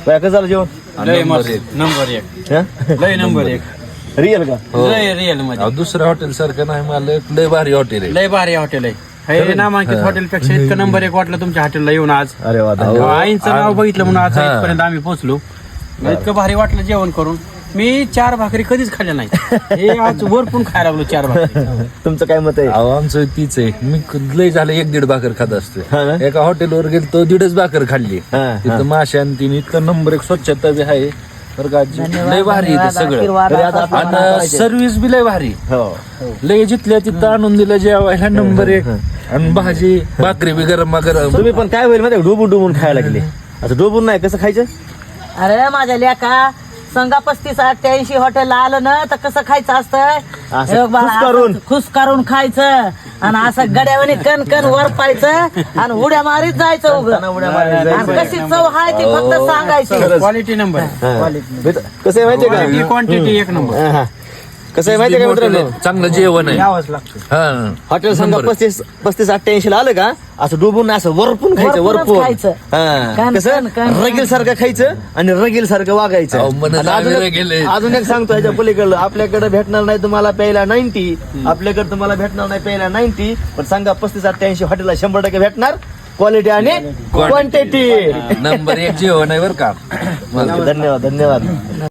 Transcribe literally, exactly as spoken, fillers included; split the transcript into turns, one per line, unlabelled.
काय कसं झालं जेवण?
लय मस्त नंबर एक लय नंबर एक
रिअल का?
लय रिअल मध्ये
दुसऱ्या हॉटेल सारखं नाही मला लय भारी हॉटेल आहे.
लय भारी हॉटेल आहे हे नामांकित हॉटेल पेक्षा इतकं नंबर एक वाटलं तुमच्या हॉटेलला येऊन आज.
अरे वा धन्यवाद.
आईंचं नाव बघितलं म्हणून आज इथपर्यंत आम्ही पोहोचलो. इतकं भारी वाटलं जेवण करून. मी चार भाकरी कधीच खाल्ल्या नाही हे आज वरपून खायला लागलो चार भाकरी.
तुमचं काय मत आहे?
अहो आमचं तीच आहे. मी लय झालं एक दीड भाकर खात
हा
असतो.
ना?
एका हॉटेलवर गेलो तो दीडच भाकर खाल्ली.
हा, हा.
तिथं माशा आणि तीन इतकं नंबर एक स्वच्छता बी आहे बरं का. लय भारी आहे ते सगळं
तरी आता आपण
आणि सर्व्हिस बी लय भारी.
हो
लय जिथल्या तिथं आणून दिलं जेवायला नंबर एक. आणि भाजी भाकरी बी गरम गरम.
तुम्ही पण काय होईल माहिती डोबून डोबून खायला लागले. आता डोबून नाही कसं खायचं?
अरे माझ्या लेका संगा पस्तीस अठ्ठ्याऐंशी हॉटेलला आलं ना तर कसं खायचं असतं?
असं
हे बघ,
खुश करून.
असं खुश करून खायचं आणि असं गड्यावाने कण कण वर पायचं आणि उड्या मारीत जायचं उगं.
उड्या मारीत
आणि
जायचं.
कशी चव आहे ती फक्त सांगायची.
क्वालिटी नंबर
हा. कसं आहे माहितीये
क्वालिटी
का?
क्वांटिटी एक नंबर.
हा, हा. कसं आहे माहितीये का मित्रांनो?
चांगलं जेवण आहे.
यावंच लागतं.
हा
हॉटेल संघ
नंबर.
पस्तीस पस्तीस अठ्ठ्याऐंशी ला आलं का असं डुबून असं वरपून खायचं
वरपूनच
वरपून.
खायचं.
हा.
कण,
कसं
कण, कण.
रगील सारखं खायचं आणि रगील सारखं वागायचं.
अहो, मन
आणि अजून
लागलं
एक-
गेलंय.
अजून एक सांगतो ह्याच्या पलीकडलं आपल्याकडे भेटणार नाही तुम्हाला प्यायला नाईन्टी. आपल्याकडे तुम्हाला भेटणार नाही प्यायला नाईन्टी पण सांगा पस्तीस अठ्ठ्याऐंशी हॉटेलला शंभर टक्के भेटणार क्वालिटी आणि क्वांटिटी.
नंबर एक जेवण आहे बरं का.
धन्यवाद धन्यवाद.